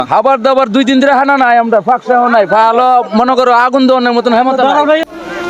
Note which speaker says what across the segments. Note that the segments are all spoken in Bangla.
Speaker 1: খাবার দাবার 2 দিন ধরে হানা নাই, আমরা ফাঁকসাও নাই, ভালো মনে করো আগুন দেওয়ার মতন হেমত নাই।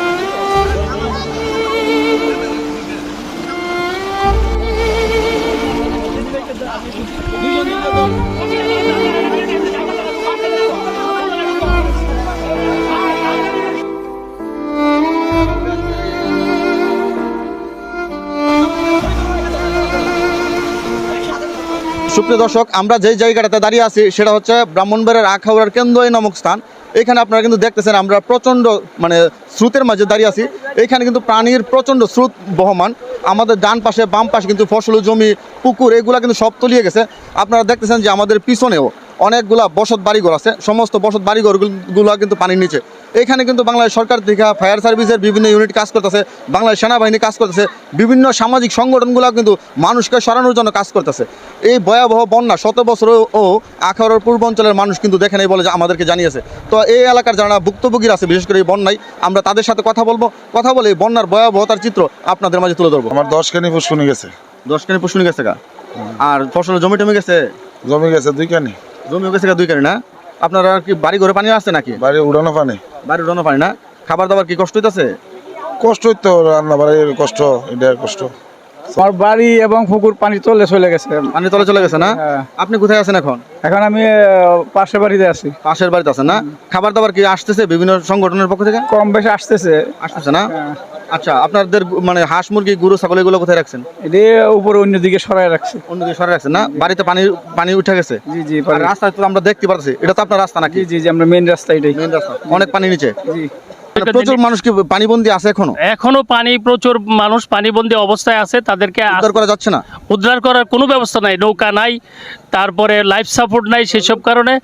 Speaker 2: সুপ্রিয় দর্শক, আমরা যেই জায়গাটাতে দাঁড়িয়ে আছি সেটা হচ্ছে ব্রাহ্মণবাড়িয়ার আখাউড়ার কেন্দ্রই নামক স্থান। এখানে আপনারা কিন্তু দেখতেছেন আমরা প্রচণ্ড স্রোতের মাঝে দাঁড়িয়ে আছি। এখানে কিন্তু পানির প্রচণ্ড স্রোত বহমান। আমাদের ডান পাশে বাম পাশে কিন্তু ফসল জমি পুকুর এগুলা কিন্তু সব তলিয়ে গেছে। আপনারা দেখতেছেন যে আমাদের পিছনেও অনেকগুলা বসত বাড়িঘর আছে, সমস্ত বসত বাড়িঘরগুলো কিন্তু পানির নিচে। এখানে কিন্তু বাংলাদেশ সরকার থেকে ফায়ার সার্ভিসের বিভিন্ন ইউনিট কাজ করতেছে, বাংলাদেশ সেনাবাহিনী কাজ করতেছে, বিভিন্ন সামাজিক সংগঠনগুলো কিন্তু মানুষকে সরানোর জন্য কাজ করতেছে। এই ভয়াবহ বন্যা শত বছরও আখাউড়ার পূর্বাঞ্চলের মানুষ কিন্তু দেখে নেই বলে আমাদেরকে জানিয়েছে। তো এই এলাকার যারা ভুক্তভোগীরা আছে বিশেষ করে এই বন্যায়, আমরা তাদের সাথে কথা বলে এই বন্যার ভয়াবহতার চিত্র আপনাদের মাঝে তুলে ধরবো।
Speaker 3: আমার 10 কানি পুষ্কুনি গেছে।
Speaker 2: 10 কানি পুষ্কুনি গেছে গা? আর ফসল জমি টমি গেছে?
Speaker 3: জমি গেছে 2 কানি।
Speaker 2: জমিও গেছে গা 2 কানি না? আপনারা কি বাড়ি ঘরে পানি আসছে নাকি?
Speaker 3: বাড়ি উড়ানো পানি।
Speaker 2: বাড়ি উড়ানো পানি না? খাবার দাবার কি কষ্ট হইতেছে?
Speaker 3: কষ্ট হইতো, রান্না বাড়ির কষ্ট, এটা কষ্ট।
Speaker 1: আমার বাড়ি এবং পুকুর পানি চলে গেছে।
Speaker 2: পানি তলে চলে গেছে না? আপনি কোথায় আছেন এখন?
Speaker 1: এখন আমি পাশের বাড়িতে আছি।
Speaker 2: পাশের বাড়িতে আছেন না? খাবার দাবার কি আসতেছে বিভিন্ন সংগঠনের পক্ষ থেকে?
Speaker 1: কম বেশি আসতেছে
Speaker 2: না? আচ্ছা, আপনাদের হাঁস মুরগি গরু ছাগল এগুলো কোথায় রাখছেন?
Speaker 1: এটি উপরে অন্যদিকে সরাই রাখছে।
Speaker 2: অন্যদিকে সরাই রাখছেন না? বাড়িতে পানি উঠে গেছে?
Speaker 1: জি।
Speaker 2: রাস্তা তো আমরা দেখতে পাচ্ছি, এটা তো আপনার রাস্তা নাকি?
Speaker 1: জি, আমরা মেইন রাস্তা, এটাই
Speaker 2: মেইন রাস্তা, অনেক পানি নিচে।
Speaker 1: জি।
Speaker 2: প্রচুর মানুষ কি পানিবন্দী আছে
Speaker 4: এখনো প্রচুর মানুষ পানিবন্দী অবস্থায় আছে। তাদেরকে
Speaker 2: উদ্ধার করা যাচ্ছে না?
Speaker 4: উদ্ধার করার কোনো ব্যবস্থা নাই, নৌকা নাই, তারপরে লাইফ সাপোর্ট নাই। সেসব কারণে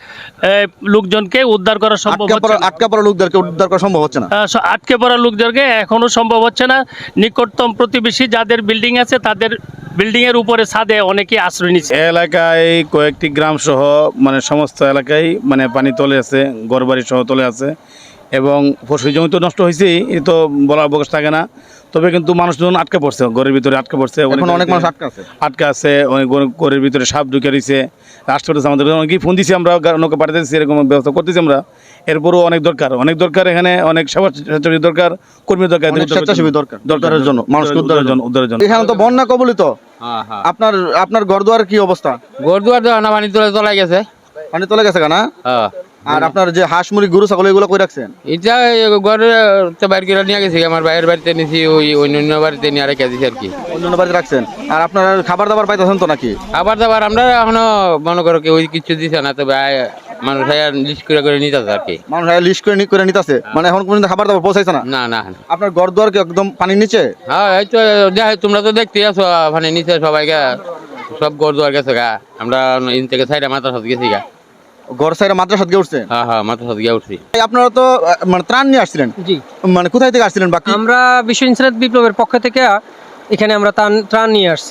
Speaker 4: লোকজনকে উদ্ধার করা সম্ভব হচ্ছে না।
Speaker 2: আটকা পড়া লোকদেরকে উদ্ধার করা সম্ভব হচ্ছে না।
Speaker 4: আটকে পড়া লোকদেরকে এখনো সম্ভব হচ্ছে না। নিকটতম প্রতিবেশী যাদের বিল্ডিং আছে তাদের বিল্ডিং এর উপরে ছাদে অনেকেই আশ্রয় নিচ্ছে।
Speaker 5: এলাকায় কয়েকটি গ্রাম সহ সমস্ত এলাকায় পানি তলে আছে, ঘরবাড়ি সহ তলে আছে এবং ফসল জমি তো নষ্ট হয়েছে, এ তো বলার অবকাশ থাকে না। তবে কিন্তু মানুষজন আটকে পড়ছে, ঘরের ভিতরে আটকে পড়ছে,
Speaker 2: অনেক মানুষ
Speaker 5: আটকে আছে, অনেক ঘরের ভিতরে সাপ ঢুকে রয়েছে। রাষ্ট্রপতি আমাদের অনেকেই ফোন দিয়েছি, আমরা নৌকা পাঠাতেছি, এরকম ব্যবস্থা করতেছি আমরা। এরপরও অনেক দরকার, এখানে অনেক স্বেচ্ছাসেবী দরকার, কর্মী দরকার,
Speaker 2: দরকারের জন্য, মানুষকে উদ্ধারের জন্য। এখানে তো বন্যা কবলিত। আপনার ঘরদুয়ার কি অবস্থা?
Speaker 6: ঘরদুয়ার তো পানি তলে গেছে।
Speaker 2: পানি তলে গেছে কেনা? আর আপনার যে হাঁস মুরগি গরু ছাগল এগুলো কই রাখছেন?
Speaker 6: এটা ঘরে বাইরে করে নিয়ে গেছি, আমার বাইরের বাড়িতে নিয়েছি, ওই অন্য বাড়িতে নিয়ে রেখে দিয়েছি আর কি।
Speaker 2: অন্য বাড়িতে রাখছেন? আর আপনার খাবার দাবার পাইতেছেন তো নাকি?
Speaker 6: খাবার দাবার আমরা এখনো মনে করো কেউ কিছু দিচ্ছে না, তবে মানুষ লিস্ট করে নিতেছে আর কি।
Speaker 2: মানুষ লিস্ট করে নিতেছে, এখন পর্যন্ত খাবার দাবার পৌঁছাইছে না?
Speaker 6: না।
Speaker 2: আপনার ঘর দুয়ার কি একদম পানির নিচে?
Speaker 6: হ্যাঁ, এই তো তোমরা তো দেখতে আছো মানে নিচে সবাইকে সব ঘর দুয়ার গেছে গা। আমরা ইন থেকে সাইডে মাথা সাথে গেছি গা।
Speaker 2: ঘর সাইডে মাদ্রাসা থেকে উঠছে?
Speaker 6: হ্যাঁ, মাথা সাথে গিয়ে উঠছি।
Speaker 2: আপনারা তো ত্রাণ নিয়ে আসছিলেন?
Speaker 7: জি।
Speaker 2: কোথায় থেকে আসছিলেন? বাকি
Speaker 7: আমরা বিশ্ব ইনসানিয়ত বিপ্লবের পক্ষ থেকে এখানে আমরা ত্রাণ নিয়ে আসছি।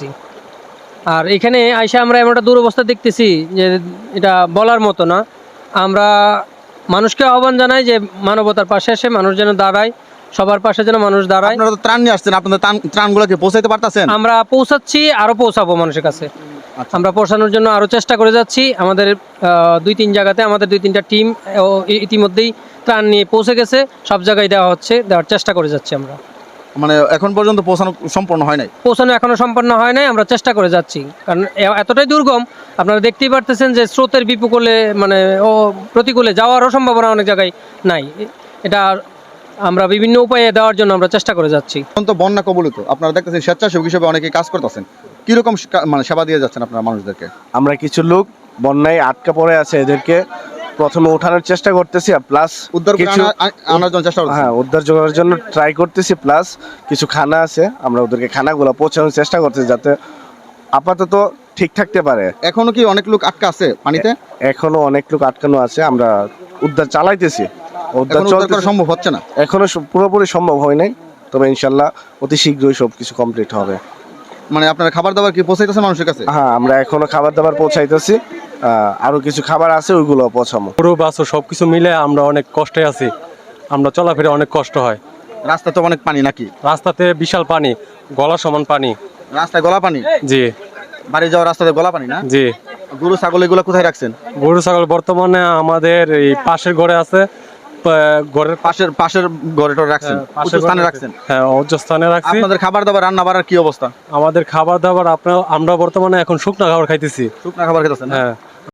Speaker 7: আর এখানে আইসা আমরা এমন একটা দুরবস্থা দেখতেছি যে এটা বলার মতো না। আমরা মানুষকে আহ্বান জানাই যে মানবতার পাশে এসে মানুষ যেন দাঁড়ায়, সবার পাশে যেন মানুষ দাঁড়ায়।
Speaker 2: আপনারা তো ত্রাণ নিয়ে আসছেন, আপনাদের ত্রাণগুলোকে পৌঁছাইতে পারতেছেন?
Speaker 7: আমরা পৌঁছাচ্ছি, আরো পৌঁছাবো মানুষের কাছে। আমরা পৌঁছানোর জন্য আরো চেষ্টা করে যাচ্ছি। আমাদের 2-3 জায়গাতে আমাদের 2-3টা টিম ইতিমধ্যেই ত্রাণ নিয়ে পৌঁছে গেছে, সব জায়গায় দেওয়ার চেষ্টা করে যাচ্ছি আমরা।
Speaker 2: এখন পর্যন্ত পৌঁছানো সম্পূর্ণ হয় নাই?
Speaker 7: পৌঁছানো এখনো সম্পন্ন হয় নাই, আমরা চেষ্টা করে যাচ্ছি। কারণ এতটাই দুর্গম, আপনারা দেখতেই পারতেছেন যে স্রোতের বিপকুলে প্রতিকূলে যাওয়ারও সম্ভাবনা অনেক জায়গায় নাই। এটা আমরা বিভিন্ন উপায়ে দেওয়ার জন্য আমরা চেষ্টা করে যাচ্ছি।
Speaker 2: এখন তো বন্যা কবলিত, আপনারা দেখতেছেন স্বেচ্ছাসেবক হিসেবে অনেকে কাজ করতেছেন, কিরকম সেবা দিয়ে যাচ্ছেন আপনারা মানুষদেরকে?
Speaker 8: আমরা কিছু লোক বন্যায় আটকা পড়ে আছে, এদেরকে প্রথমে ওঠানোর চেষ্টা করতেছি, প্লাস
Speaker 2: উদ্ধার আনার জন্য চেষ্টা করতেছি।
Speaker 8: হ্যাঁ, উদ্ধার করার জন্য ট্রাই করতেছি, প্লাস কিছু খানা আছে, আমরা ওদেরকে খানাগুলো পৌঁছানোর চেষ্টা করতেছি যাতে আপাতত ঠিক থাকতে পারে।
Speaker 2: এখনো কি অনেক লোক আটকা আছে পানিতে?
Speaker 8: এখনো অনেক লোক আটকানো আছে, আমরা উদ্ধার চালাইতেছি।
Speaker 2: উদ্ধার করা সম্ভব হচ্ছে না?
Speaker 8: এখনো পুরোপুরি সম্ভব হয় নাই, তবে ইনশাল্লাহ অতি শীঘ্রই সবকিছু কমপ্লিট হবে।
Speaker 2: আপনার খাবার দাবার কি পৌঁছাইতেছেন মানুষের কাছে?
Speaker 8: হ্যাঁ, আমরা এখনো খাবার দাবার পৌঁছাইতেছি, আরো কিছু খাবার আছে, ওইগুলো পৌঁছাবো।
Speaker 9: পুরো বাস সবকিছু মিলে আমরা অনেক কষ্টে আছি, আমরা চলাফেরা অনেক কষ্ট হয়।
Speaker 2: রাস্তা তো অনেক পানি নাকি?
Speaker 9: রাস্তাতে বিশাল পানি, গলা সমান পানি।
Speaker 2: রাস্তায় গলা পানি?
Speaker 9: জি।
Speaker 2: বাড়ি যাওয়ার রাস্তাতে গলা পানি না?
Speaker 9: জি।
Speaker 2: গরু ছাগল এগুলো কোথায় রাখছেন?
Speaker 9: গরু ছাগল বর্তমানে আমাদের এই পাশের ঘরে আছে, ঘরের
Speaker 2: পাশের ঘরে টরে রাখছেন, উঁচু স্থানে রাখছেন।
Speaker 9: হ্যাঁ উচ্চ স্থানে রাখছি।
Speaker 2: আপনাদের খাবার দাবার রান্না বাড়ার কি অবস্থা?
Speaker 9: আমাদের খাবার দাবার আমরা বর্তমানে এখন শুকনা খাবার খাইতেছি।
Speaker 2: শুকনা খাবার খেতেছেন?
Speaker 9: হ্যাঁ।